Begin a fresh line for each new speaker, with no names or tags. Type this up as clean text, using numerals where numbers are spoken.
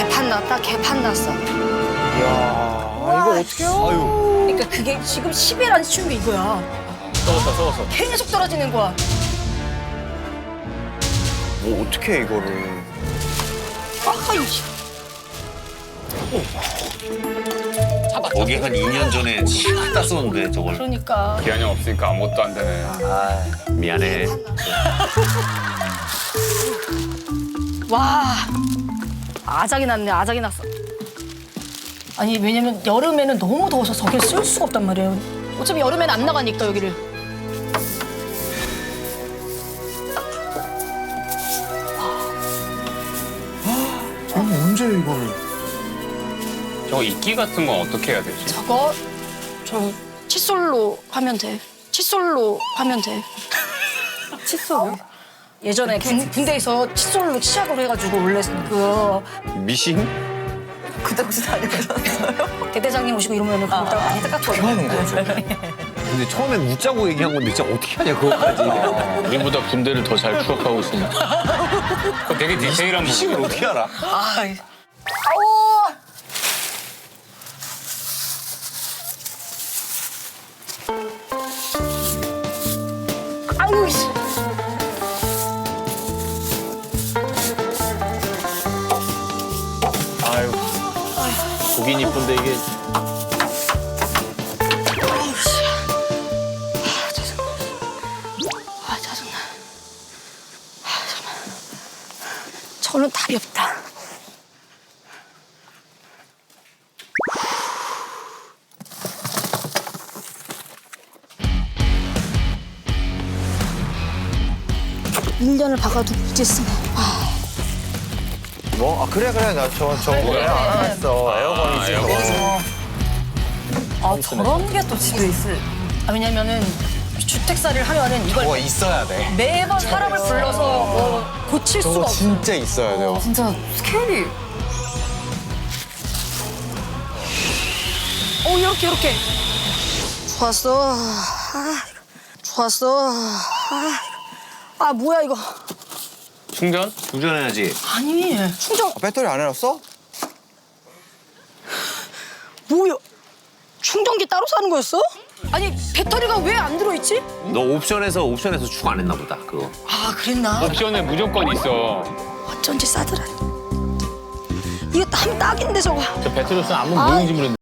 개판 났다, 개판 났어.
이야, 이거 어떻게 해요? 아유.
그러니까 그게 지금 10일 안 치운 게 이거야.
썩었어.
계속 떨어지는 거야.
뭐 어떻게 해, 이거를.
아이씨.
거기 한 2년 전에 싹 땄었는데 저걸.
그러니까.
기한이 없으니까 아무것도 안 되네.
아, 미안해.
와. 아작이 났네, 아작이 났어. 아니, 왜냐면 여름에는 너무 더워서 저길 쓸 수가 없단 말이에요. 어차피 여름에는 안 나가니까, 여기를.
언제 이거를.
저거 이끼 같은 건 어떻게 해야 되지?
저 칫솔로 하면 돼. 칫솔로 하면 돼. 칫솔요? 예전에 군대에서 칫솔로 시작을 해가지고 원래
미싱?
그 당시 다녀오셨어요? 대대장님 오시고 이러면 그거다가 많이 닦았거든요.
하는 거죠.
근데 처음엔 웃자고 얘기한 건데 진짜 어떻게 하냐 그거까지.
우리보다 군대를 더 잘 추억하고 있으니까. 그거 되게 디테일한
미싱을
부분.
어떻게 알아?
아우! 아유, 씨.
아유. 보긴 이쁜데 이게.
아, 짜증나. 잠깐만. 저는 답이 없다. 일년을 박아두고 이제 쓰네.
뭐? 아, 그래. 나 뭐야. 안 했어. 에어건이지.
에어건.
아, 저런 게 또 집에 있어. 아, 왜냐면은 주택살이를 하면은 이걸
저거 있어야 돼.
매번 사람을 불러서 고칠 수가
저거
없어.
진짜 있어야 돼요.
진짜 스케일이. 이렇게. 좋았어. 좋았어. 뭐야 이거.
충전?
충전해야지.
아니, 충전
배터리 안 해놨어?
뭐야? 충전기 따로 사는 거였어? 아니, 배터리가 왜 안 들어있지?
너 옵션에서 추가 안 했나 보다 그거.
그랬나?
옵션에 무조건 있어.
어쩐지 싸더라. 이거 한 딱인데 저거.
저 배틀로스는 아무
아.
모르는지 모르는데.